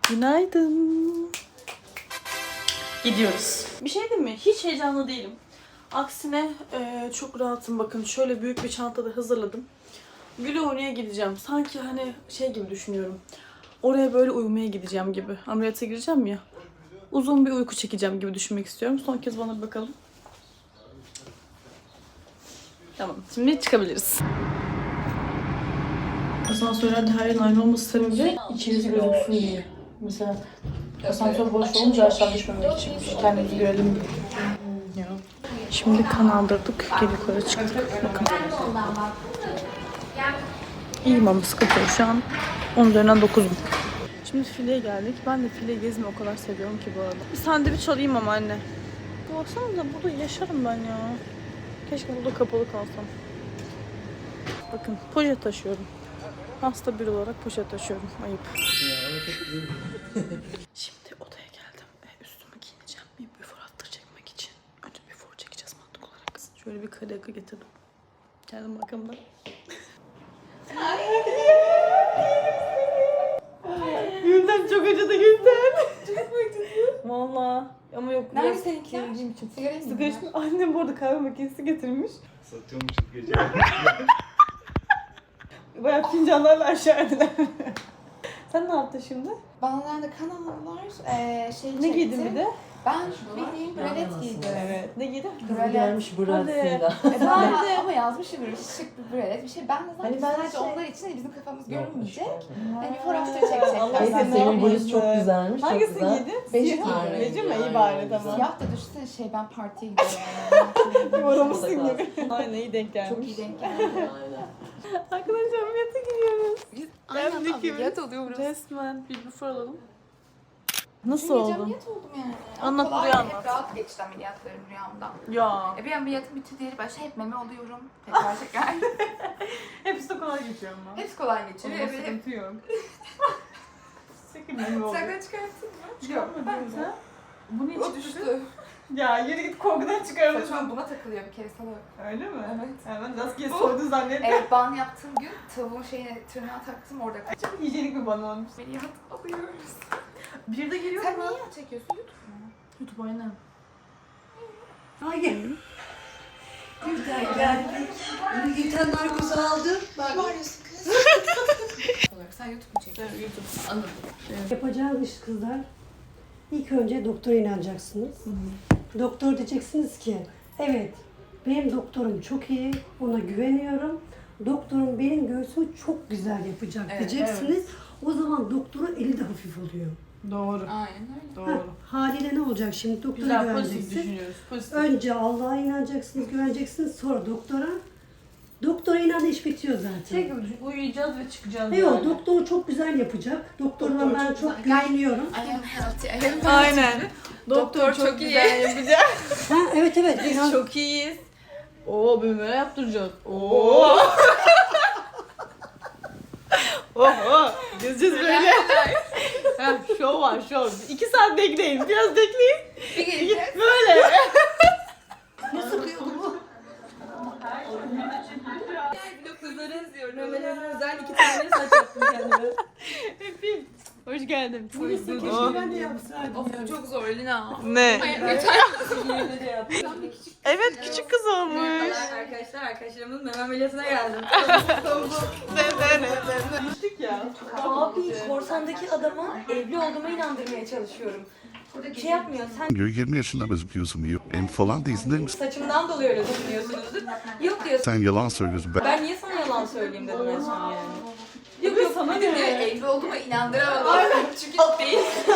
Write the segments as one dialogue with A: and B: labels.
A: Günaydın. Gidiyoruz. Bir şey diyeyim mi? Hiç heyecanlı değilim. Aksine çok rahatım. Bakın şöyle büyük bir çantada hazırladım. Güle oynaya gideceğim. Sanki hani şey gibi düşünüyorum. Oraya böyle uyumaya gideceğim gibi. Ameliyata gireceğim ya. Uzun bir uyku çekeceğim gibi düşünmek istiyorum. Son kez bana bir bakalım. Tamam. Şimdi çıkabiliriz. Asansörlerde her yerin aynı olması sebebi içiniz gözüksün diye. Mesela asansör boş olunca aşağı düşmemek için kendimizi görelim diye. Şimdi kan aldırdık. Geri yukarı çıktık. Bakın. İyiyim ama sıkıntı yok. Şu an 10 üzerinden 9'um. Şimdi fileye geldik. Ben de file gezmeyi o kadar seviyorum ki bu arada. Bir sandviç alayım ama anne. Baksanıza burada yaşarım ben ya. Keşke burada kapalı kalsam. Bakın poşet taşıyorum. Hasta biri olarak poşet taşıyorum. Ayıp. Şimdi odaya geldim. Üstümü giyineceğim. Bir before after çekmek için. Önce before çekeceğiz mantık olarak. Şöyle bir kare akı getirdim. Geldim arkamda. Gülden çok acıdı Gülden. Çok acıdı. Valla. Ama yok.
B: Nerede seninkiler? Sigara
A: içtim. Annem bu arada kahve makinesi getirmiş.
C: Satıyormuşuz gece.
A: Bayağı fincanlarla aşağı indiler. Sen ne yaptın şimdi?
B: Bana da kan aldılar.
A: Ne giydin bir de?
B: Ben bildiğin bralet giydim.
A: Evet. Ne giydin?
B: Bralet.
D: Gelmiş burasıyla.
B: Ben de ama yazmışım böyle şık bir bralet bir şey. Ben de zaten
D: Hani ben
B: sadece
D: şey-
B: onlar için de bizim kafamız görünmeyecek.
D: Hani
B: Hani before after
A: Allah
B: çekecekler.
A: seni
D: senin bluz
A: yapmasın.
D: çok güzelmiş. Çok
A: Hangisini
D: güzel.
A: giydin?
B: Beji
A: Siyah.
B: giydim.
A: Beji mi? İyi
D: Aynen,
A: bari
D: güzel.
A: tamam.
B: Siyah da düşünsene ben partiye gidiyorum.
A: Bir oramışsın gibi. Aynen iyi denk gelmiş.
B: Çok iyi denk geldi.
D: Aynen.
A: Arkadaşlar ameliyata gidiyoruz.
B: Biz
A: Ben
B: aynen
A: de
B: ameliyat oluyoruz.
A: Resmen bir before alalım. Nasıl
B: Dün gece
A: oldu?
B: ameliyat oldum yani.
A: Anlat,
B: Kolay,
A: buraya
B: hep
A: anlat.
B: rahat geçti ameliyatlarım rüyamda.
A: Ya.
B: Bir ameliyatın bitti diğeri başta hep meme oluyorum. Tekrar.
A: Hepsi de kolay geçiyor ama.
B: Hepsi kolay geçiyor.
A: Onda
B: Evet, hep
A: sıkıntı yok. Sakın meme oldu.
B: sakın çıkartayım mı?
A: Çıkartmadın sen. Bu niye
B: O
A: çıktı?
B: düştü.
A: Ya yürü git korkudan çıkarmadın.
B: Saçma buna takılıyor bir kere sana.
A: Öyle mi?
B: Evet.
A: Hemen rastgele
B: Bu-
A: soydu zannettim.
B: Evet ban yaptığım gün tavuğun şeyine tırnağı taktım orada kaçtı.
A: Çok hijyenik bir bana olmuş.
B: Ameliyat alıyoruz.
A: Bir de geliyor
B: Sen
A: mu?
B: niye yağ çekiyorsun? YouTube mu?
A: YouTube aynen.
D: Hayır. Gülten geldik. Gülten narkozu aldı. Bak.
B: Bağırıyorsun kız. Olarak sen YouTube mu çekiyorsun?
A: YouTube.
B: Anladım.
D: Yapacağınız iş kızlar. İlk önce doktora inanacaksınız. Doktor diyeceksiniz ki, evet benim doktorum çok iyi, ona güveniyorum. Doktorum benim göğsümü çok güzel yapacak
B: Evet,
D: diyeceksiniz. O zaman doktorun eli de hafif oluyor.
A: Doğru.
B: Aynen öyle.
A: Doğru.
D: Haliyle ne olacak şimdi? Doktora
A: Güzel pozitif
D: güveneceksiniz.
A: düşünüyoruz. Pozitif.
D: Önce Allah'a inanacaksınız, güveneceksiniz. Sonra doktora. Doktora inan iş bitiyor zaten.
A: Şey gibi düşün, uyuyacağız ve çıkacağız.
D: Yok,
A: yani.
D: doktor çok güzel yapacak. Doktordan
B: Doktor
D: ben
B: çok
D: çok
B: güzel.
D: güveniyorum.
B: I am healthy. I am healthy.
A: Aynen.
B: Doktor çok iyi.
A: güzel yapacak.
D: Ha, evet evet.
A: Biz
D: inan-
A: çok iyiyiz. Oo böyle yaptıracağız. Oo. Oho. Gezeceğiz böyle. Ha, şov var şov. 2 saat bekleyin. Biraz bekleyin.
B: Bir geleceğiz.
A: Böyle.
D: Ne sıkıyor bu?
B: Kızları izliyorum.
A: Memelerine özel 2 tane saç yaptım kendime. Öpeyim. Hoş geldin.
D: Neyse keşke ben de yapsaydım.
B: Of çok zor Lina.
A: Ne?
B: Ay, yeter.
A: Evet küçük kız olmuş.
B: Arkadaşlarımın meme ameliyatına geldim.
A: Gittik ya.
E: Abi korsandaki adama evli olduğuma inandırmaya çalışıyorum. Bir şey yapmıyor. Sen
F: Diyor 20 yaşında gözüküyorsun diyor. Falan değilsin değil mi?
E: saçımdan dolayı öyle düşünüyorsunuzdur. Yok diyor.
F: Sen yalan söylüyorsun.
E: Ben niye sana yalan söyleyeyim dedim en son yani.
A: Yok yok sana
B: Bir de
A: ne?
B: evli olduğuma inandıramadım. Çünkü değil.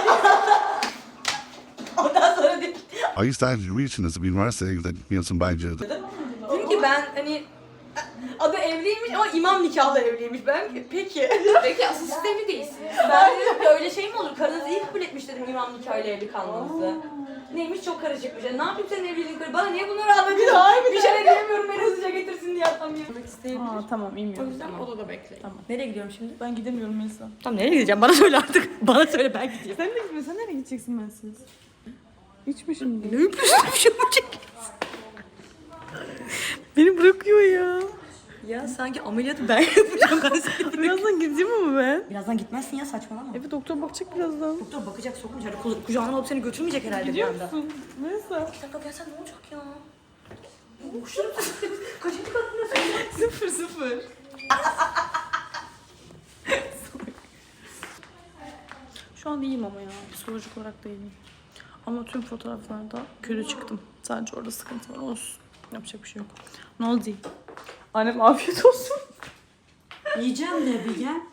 E: Ondan sonra dedim
F: Ay sen üniversitenizi bir üniversiteye gitmiyorsun bence.
E: ki ben hani adı evliymiş ama imam nikahlı evliymiş. Ben peki.
B: Peki asıl siz evli değilsiniz.
E: Ben dedim ki öyle şey mi olur? Karınız iyi kabul etmiş dedim imam nikahıyla evli kalmanızı. Neymiş çok karışıkmış. Yani ne yapayım senin evliliğin karı? Bana niye bunları anlatıyorsun? Bir şey diyemiyorum beni hızlıca getirsin diye atamıyorum.
A: Aa tamam
B: O
A: inmiyorum.
B: yüzden odada bekleyin.
A: Tamam.
E: Nereye gidiyorum şimdi?
A: Ben gidemiyorum Melisa.
E: Tamam nereye gideceğim? Bana söyle artık. Bana söyle ben gideyim.
A: Sen de gitmiyorsun. Sen nereye gideceksin bensiz? Hiç mi şimdi?
E: Ne yapıyorsun? Bir şey mi çekiyorsun?
A: Beni bırakıyor ya.
E: Ya sanki ameliyatı ben yapacağım kanser.
A: Birazdan gideyim mi ben?
E: Birazdan gitmezsin ya saçmalama.
A: Evet doktor bakacak birazdan.
E: Doktor bakacak sokmayacak. Kucağına alıp seni götürmeyecek herhalde bir
A: Gidiyor
E: anda.
A: musun? Neyse.
E: Bir dakika gelsen ne olacak ya? Boşuna kaçıncı katındasın?
A: 0-0. Şu an iyiyim ama ya. Psikolojik olarak da iyiyim. Ama tüm fotoğraflarda kötü çıktım. Sadece orada sıkıntı var. Olsun. Yapacak bir şey yok. Ne oldu? Annem afiyet olsun.
D: Yiyeceğim de bir gel.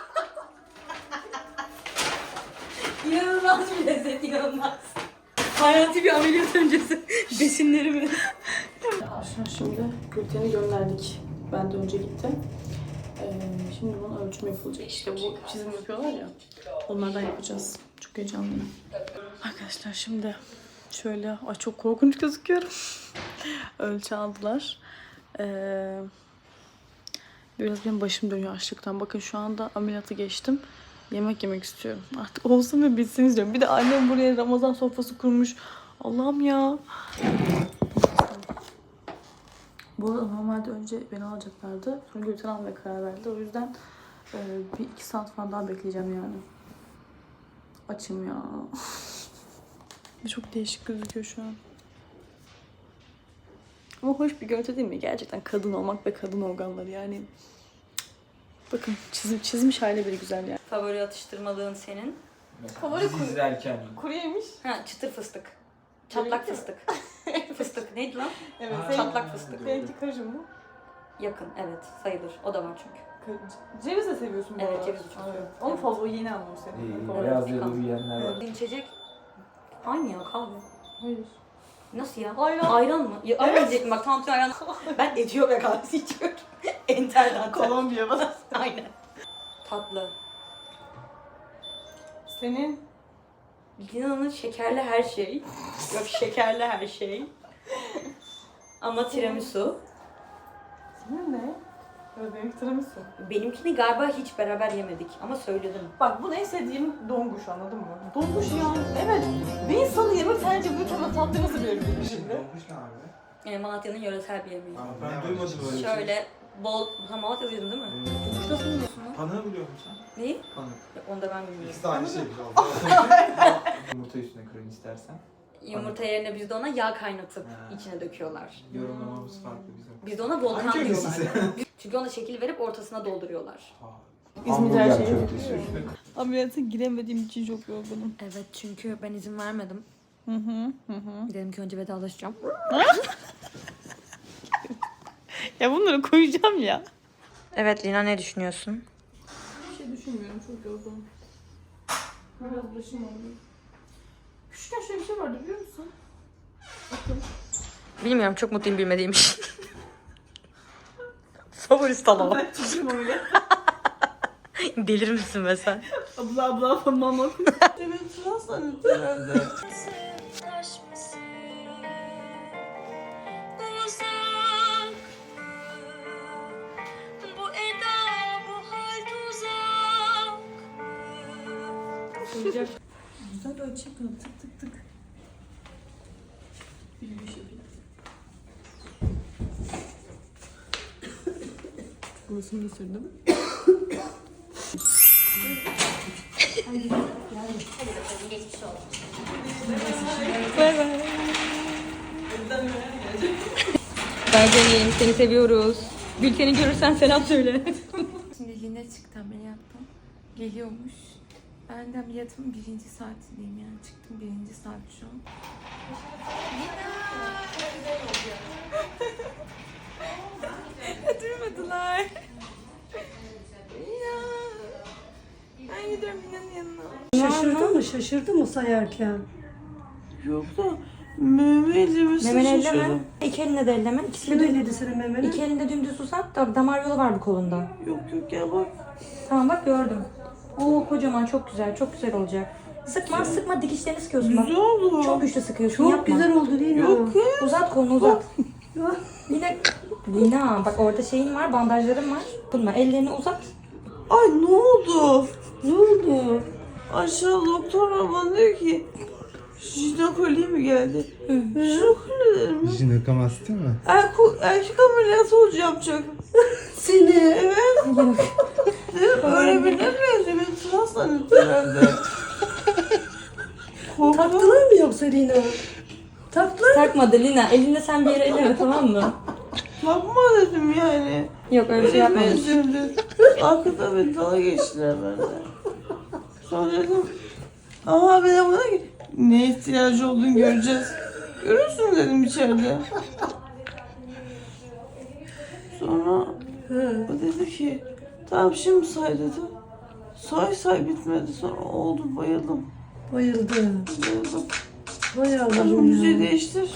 E: İnanılmaz bir lezzet, inanılmaz. Hayati bir ameliyat öncesi besinlerimi.
A: Arkadaşlar şimdi Gülten'i gönderdik. Ben de önce gittim. Şimdi bunun ölçümü yapılacak. İşte bu çizim yapıyorlar ya. Onlardan yapacağız. Çok heyecanlıyım. Arkadaşlar şimdi şöyle... Ay çok korkunç gözüküyorum. Ölçü aldılar. Biraz benim başım dönüyor açlıktan. Bakın şu anda ameliyatı geçtim. Yemek yemek istiyorum. Artık olsun ve bitsin istiyorum. Bir de annem buraya Ramazan sofrası kurmuş. Allah'ım ya. Bu arada normalde önce beni alacaklardı. Sonra Gülten almaya karar verdi. O yüzden bir 2 saat falan daha bekleyeceğim yani. Açım ya. Çok değişik gözüküyor şu an. Ama hoş bir görüntü değil mi? Gerçekten kadın olmak ve kadın organları yani. Bakın çizmiş hali bile güzel yani.
E: Favori atıştırmalığın senin?
A: Favori
C: Dizi izlerken.
A: Kuru yemiş.
E: Ha, çıtır fıstık. Çatlak fıstık. Fıstık neydi lan?
A: Evet.
C: Aa,
E: Çatlak fıstık.
A: Seninki karışım mı?
E: Yakın, evet sayılır. O da var çünkü.
A: Ceviz de seviyorsun bu
E: Evet,
A: arada.
E: cevizi çok seviyorum.
A: Onun
E: Evet.
A: favori yeni almış senin.
C: İyi,
A: Favori.
C: beyaz yolu yiyenler var.
E: İçecek aynı ya kahve.
A: Hayır.
E: Nasıl ya?
A: Ayran.
E: Ayran mı? Ya, ayran diyecektim bak tam ayran. Ben Etiyopya kahvesi içiyorum. Enter'den.
A: Kolombiya bana.
E: Aynen. Tatlı.
A: Senin
E: Lina'nın şekerli her şey. Yok şekerli her şey. Ama tiramisu.
A: senin ne? Evet benimki tiramisu.
E: Benimkini galiba hiç beraber yemedik ama söyledim.
A: Bak bu en sevdiğim donguş anladın mı? Donguş ya. Evet. Bir insanı yemek sence bu kadar tatlı nasıl verebilir şimdi?
C: Donkuş ne abi?
E: Malatya'nın yöresel bir yemeği.
C: Ben duymadım öyle bir şey.
E: Şöyle bol... Ha Malatya'da yedin değil mi? Donguş nasıl biliyorsun lan?
C: Panığı biliyor musun?
E: Neyi?
C: Panık.
E: Ya, onu da ben bilmiyorum.
C: İkisi de aynı şey. Yumurta üstüne kırın istersen.
E: Yumurta yerine bizde ona yağ kaynatıp
C: Ha.
E: içine döküyorlar.
C: Yorumlamamız farklı bizim.
E: Bizde ona volkan
C: Hangi
E: diyorlar.
C: köftesi?
E: Çünkü ona şekil verip ortasına dolduruyorlar.
A: İzmir her
C: Hamburger
A: şeyi
C: köftesi
A: yapıyor.
C: üstüne.
A: Ameliyata giremediğim için çok yorgunum.
E: Evet çünkü ben izin vermedim.
A: Hı hı.
E: Dedim ki önce vedalaşacağım.
A: Ya bunları koyacağım ya.
E: Evet Lina ne düşünüyorsun?
A: Bir şey düşünmüyorum çok yorgunum. Biraz başım ağrıyor. Küçükken şöyle bir şey vardı biliyor musun? Bakın.
E: Bilmiyorum çok mutluyum bilmediğim için. Favori salon.
A: Ben çocuğum öyle.
E: Delir misin be sen?
A: Abla mama. Evet sıra sanırım. Güzel ölçü yapalım. Tık tık tık. Bir yürüyüş yapayım. Burasını da sürdüm. Bay bay.
E: Berce'nin seni seviyoruz. Gülten'i görürsen selam söyle.
B: Şimdi Lina çıktı ameliyattan. Geliyormuş. Ben de ameliyatımın 1. saatindeyim yani. Çıktım 1. saat şu an. Duymadılar. Ya. Ben gidiyorum Lina'nın yanına.
D: Şaşırdı mı? Şaşırdı mı sayarken?
A: Yok da memeyle
E: Memeni elleme. İki eline de elleme.
D: Kim
E: İkisini de
D: öyledi senin memeni?
E: İki elinde dümdüz uzat da damar yolu var bu kolunda.
A: Yok ya bak.
E: Tamam bak gördüm. Oo kocaman çok güzel olacak. Sıkma dikişlerini sıkıyorsun bak.
A: Güzel oldu.
E: Çok güçlü sıkıyorsun
D: Çok
E: yapma.
D: güzel oldu değil mi?
A: Yok ya.
E: Uzat kolunu uzat. Lina bak orada şeyin var bandajların var. Bununla ellerini uzat.
A: Ay ne oldu? Ne oldu? Aşağı doktor bana diyor ki jinekoloji mi geldi? Jinekoloji dedim.
C: Jinekomasti mi?
A: Erkek ameliyatı olacağım çok.
D: Seni.
A: Öğrenebilir miyiz? Beni trans zannettilerdi.
D: Taktılar mı yoksa Lina? Taktılar.
E: Takmadı Lina. Elinde sen bir yere elleme, tamam mı?
A: Yapma dedim yani.
E: Yok öyle bir şey yapmamış.
A: Üzüldü. Arkada bir dala geçtiler bende. Sonra dedim. Aha bir de bana ki ne ihtiyacı olduğunu göreceğiz. Görürsün dedim içeride. Sonra o dedi ki tamam şimdi say dedi. Say bitmedi. Sonra oldu bayıldım.
D: Bayıldı.
A: Bayıldım.
D: Hay
A: Şu
D: Allah'ım
A: müziği
D: ya.
A: değiştir.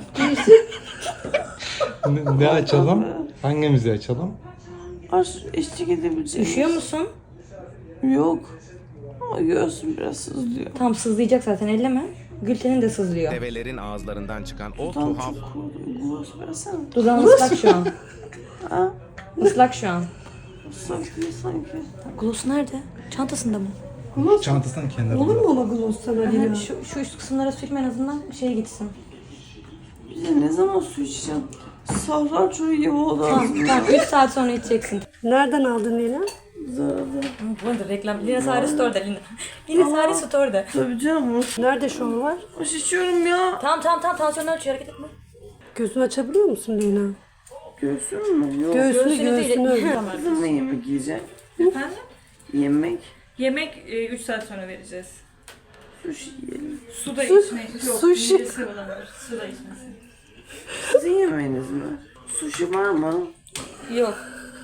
C: Ne açalım? Hangimizi açalım?
A: Aç eşlik edebileceğim.
E: Üşüyor musun?
A: Yok. Ama göğsüm biraz sızlıyor.
E: Tam sızlayacak zaten, elleme. Gülten'in de sızlıyor.
G: Develerin ağızlarından çıkan o
A: Tam
G: tuhaf
A: çok kurudu. Gloss versene.
E: Dudağın ıslak şu an.
A: Ha?
E: Islak şu an.
A: Islak değil sanki.
E: Gloss nerede? Çantasında mı?
D: Gloss
C: Çantasının kenarında.
D: olur mu ama gloss sana Lina?
E: Şu üst kısımlara sürme en azından şey gitsin.
A: Bize ne zaman su içeceğim? Sahra çoğu gibi oldu
E: Tamam,
A: aslında.
E: tamam. 3 saat sonra içeceksin.
D: Nereden aldın Lina?
A: Zararlı.
E: Bu arada reklam. Lina Sari Store'da Lina. Lina Sari Store'da.
A: Tabii canım.
D: Nerede şov var?
A: Hoş içiyorum ya.
E: Tamam. Tansiyon ölçüyor, hareket etme.
D: Gözünü açabiliyor musun Lina?
A: Göğsüm mü? Yok.
D: Göğsünü öyle.
A: Kızımla yemek yiyeceğim.
H: Efendim?
A: Yemek.
H: Yemek 3 saat sonra vereceğiz.
A: Sushi yiyelim.
H: Su da içmek yok.
A: Sushi.
H: Midesi bulanır. Su da içmesin.
A: Sizin yemeğiniz mi? Sushi var mı?
E: Yok.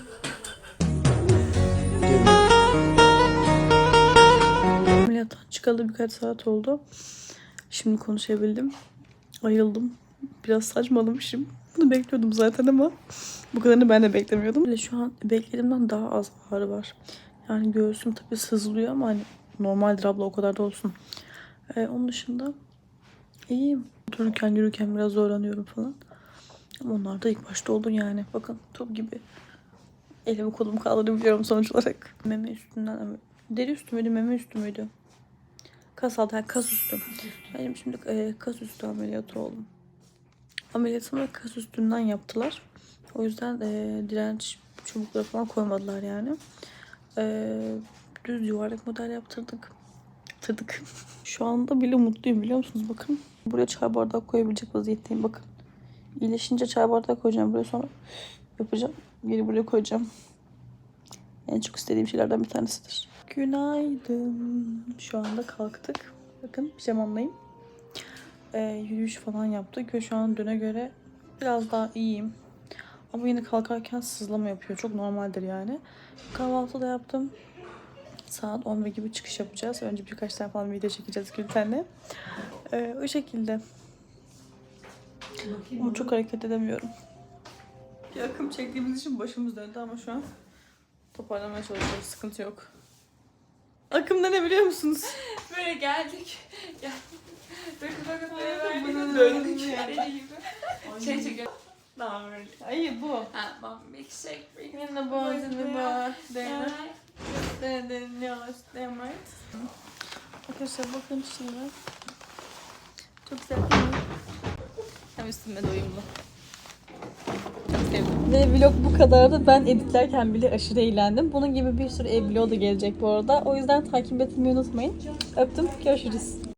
A: Ameliyattan çıkalı birkaç saat oldu. Şimdi konuşabildim. Ayıldım. Biraz saçmalamışım. Bunu bekliyordum zaten ama bu kadarını ben de beklemiyordum. Ve şu an beklediğimden daha az ağrı var. Yani göğsüm tabii sızlıyor ama hani normaldir abla, o kadar da olsun. Onun dışında iyiyim. Otururken yürürken biraz zorlanıyorum falan. Ama onlar da ilk başta oldu yani. Bakın top gibi. Elimi kolumu kaldırabiliyorum sonuç olarak. Meme üstünden, deri üstü müydü, meme üstü müydü? Kas altı, yani kas üstü. Benim şimdi kas üstü ameliyatı oldum. Ameliyatımı kas üstünden yaptılar. O yüzden direnç çubukları falan koymadılar yani. Düz yuvarlak model yaptırdık. Şu anda bile mutluyum, biliyor musunuz? Bakın. Buraya çay bardağı koyabilecek vaziyetteyim, bakın. İyileşince çay bardağı koyacağım buraya, sonra yapacağım. Geri buraya koyacağım. En çok istediğim şeylerden bir tanesidir. Günaydın. Şu anda kalktık. Bakın pijamamdayım. Yürüyüş falan yaptık ve şu an düne göre biraz daha iyiyim. Ama yine kalkarken sızlama yapıyor. Çok normaldir yani. Kahvaltı da yaptım. Saat 11 gibi çıkış yapacağız. Önce birkaç tane falan video çekeceğiz Gülten'le. O şekilde. Ama çok hareket edemiyorum. Bir akım çektiğimiz için başımız döndü ama şu an toparlamaya çalışıyoruz. Sıkıntı yok. Akımda ne biliyor musunuz?
B: Böyle geldik. Bakın
A: Döndük.
B: Deli gibi. Şey çekiyor. Tamam öyle.
A: Ay bu.
B: Ha, bak milkshake.
A: Yine bu. Arkadaşlar bakın şimdi. Çok güzel değil mi? Hem üstüme de uyumlu. Çok sevdim. Ve vlog bu kadardı. Ben editlerken bile aşırı eğlendim. Bunun gibi bir sürü ev vlogu da gelecek bu arada. O yüzden takip etmeyi unutmayın. Öptüm. Görüşürüz.